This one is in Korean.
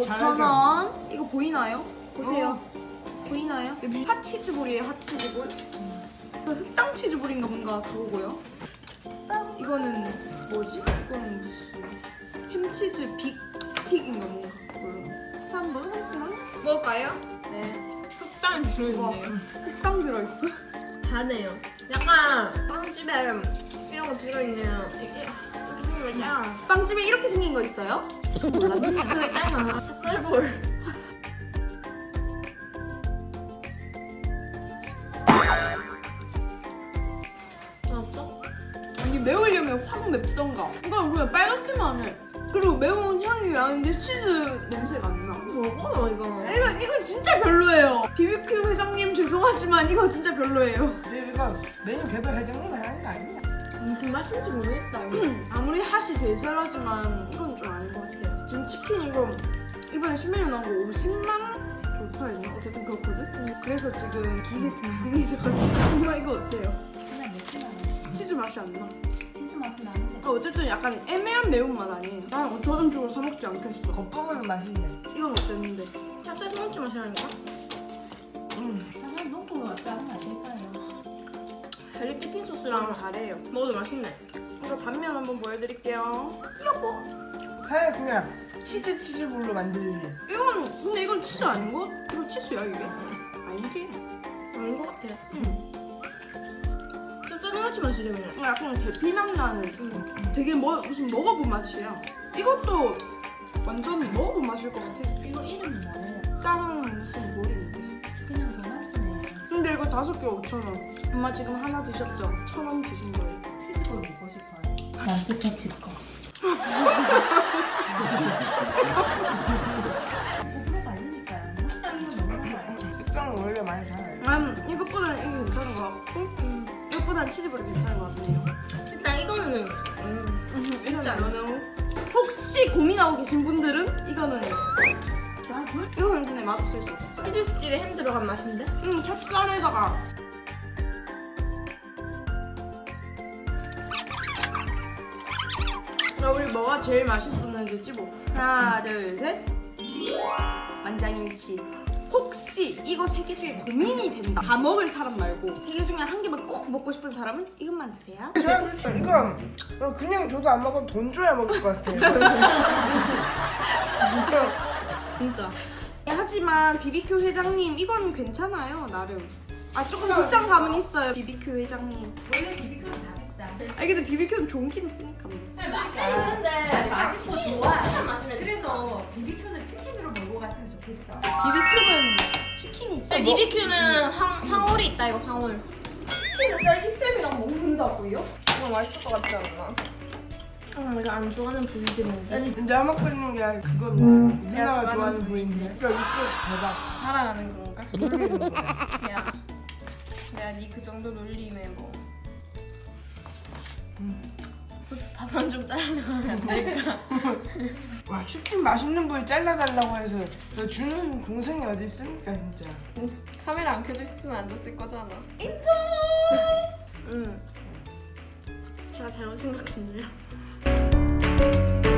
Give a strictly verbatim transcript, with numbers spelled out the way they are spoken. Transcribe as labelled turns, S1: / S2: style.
S1: 오천 원. 이거 보이나요? 보세요. 어. 보이나요? 여기 핫치즈볼이에요. 핫치즈볼. 이거 흑당 치즈볼인가 뭔가 그거고요. 이거는 뭐지? 이거는 무슨 햄치즈 빅 스틱인가 뭔가 그걸로. 자, 한번 먹어보겠습니다.
S2: 먹을까요?
S1: 네.
S2: 흑당 들어있네요.
S1: 흑당 들어있어?
S2: 다네요. 약간 빵집에 이런 거 들어있네요. 이게 이렇게 생겼냐?
S1: 빵집에 이렇게 생긴 거 있어요?
S2: 그게 딱 찹쌀볼. 맛없어?
S1: 아니 매우려면 확 맵던가. 이건 그냥 빨갛게만 해. 그리고 매운 향이 나는데 치즈 냄새가 안 나.
S2: 먹어 이거.
S1: 이거 이거 진짜 별로예요. 비비큐 회장님 죄송하지만 이거 진짜 별로예요.
S3: 근데 이거 메뉴 개발 회장님이 하는 거 아니냐?
S2: 무슨 맛인지 모르겠다 이거.
S1: 아무리 핫이 대세라지만 이건 좀 아닌 것 같아요. 지금 치킨 이거 이번에 신메뉴 나온 거 오십만 돌파했나? 어쨌든 그렇거든? 그래서 지금 기세 등등해져가지고 이거 이거 어때요?
S4: 그냥 맵진 않아.
S1: 치즈 맛이 안 나.
S4: 치즈 맛이 나는데.
S1: 아, 어쨌든 약간 애매한 매운맛 아니에요. 난 오천 원 주고 사 먹지 않겠어.
S3: 겉부분은 맛있네.
S1: 이건 어땠는데?
S2: 찹쌀 소금치 맛이라니까?
S3: 음.
S4: 한번 놓고 왔다 하면 안 될까요?
S2: 벨리 띠핀
S1: 저랑
S2: 소스랑
S1: 잘해요.
S2: 먹어도 맛있네.
S1: 이거 단면 한번 보여드릴게요. 요거.
S3: 차라리 그냥 치즈 치즈볼로 만들지.
S1: 이건 근데 이건 치즈 아닌 거? 이거 치즈야 이게? 아니지.
S2: 아닌 것 같아. 찹쌀 소금치 맛이지 그냥.
S1: 약간 대피맛 나는 되게 뭐 무슨 먹어본 맛이야. 이것도 완전 먹어본 맛일 것 같아.
S4: 이거 이름이 뭐예요?
S1: 깡 무슨 모르겠는데.
S4: 그냥 도넛이네요.
S1: 근데 이거 다섯 개 오천 원. 엄마 지금 하나 드셨죠? 천 원 드신 거예요.
S4: 치즈볼 먹고 싶어요. 마스터치 거. 오프로 말리니까요. 흑당이면 먹는 거예요.
S3: 식당은 원래 많이 달아요.
S1: 음, 이것보다는 이게 괜찮은 것 같고 이것보다는 치즈볼이 괜찮은 것 같네요.
S2: 일단 이거는 음,
S1: 진짜 이거는 혹시 고민하고 계신 분들은 이거는
S4: 아, 그
S1: 이거는 근데 맛없을 수 없어요.
S2: 치즈 스틱에 햄 들어간 맛인데?
S1: 음, 찹쌀에다가 자, 우리 뭐가 제일 맛있었는지 찌보. 하나, 둘, 셋. 만장일치. 혹시 이거 세 개 중에 고민이 된다. 다 먹을 사람 말고 세 개 중에 한 개만 꼭 먹고 싶은 사람은 이것만 드세요.
S3: 그렇죠. 이거 이거 그냥 줘도 안 먹어도 돈 줘야 먹을 것 같아요.
S2: 진짜.
S1: 하지만 비비큐 회장님 이건 괜찮아요 나름. 아 조금 비싼 감은 있어요 비비큐 회장님.
S4: 원래 비비큐는 다 비싸.
S1: 아 근데 비비큐는 좋은 기름 쓰니까 뭐.
S4: 맛이
S2: 있는데
S4: 맛있고
S2: 치킨
S4: 좋아.
S2: 진짜 맛있네.
S4: 그래서 비비큐는 치킨으로 먹고 갔으면 좋겠어.
S1: 비비큐는 치킨이지.
S2: 근데 비비큐는 황, 황홀이 있다 이거 황홀.
S1: 치킨을 딸기잼이랑 먹는다고요?
S2: 이거 맛있을 것 같지 않나? 아 내가 안 좋아하는 부위들인데.
S3: 아니 내가 먹고 있는 게 그건데
S1: 내가
S3: 누나가
S1: 좋아하는
S3: 좋아하는 부위인데. 야 이거 대박.
S1: 자랑하는 건가?
S3: 놀리는 거야.
S1: 야 내가 니 그 정도 놀림에 뭐 밥만 좀 잘라가면 안 될까?
S3: 와 치킨 맛있는 부위 잘라달라고 해서 너 주는 동생이 어디 있습니까 진짜.
S2: 카메라 안 켜져 있으면 안 줬을 거잖아.
S1: 인정!
S2: 응. 제가 잘못 생각했네요.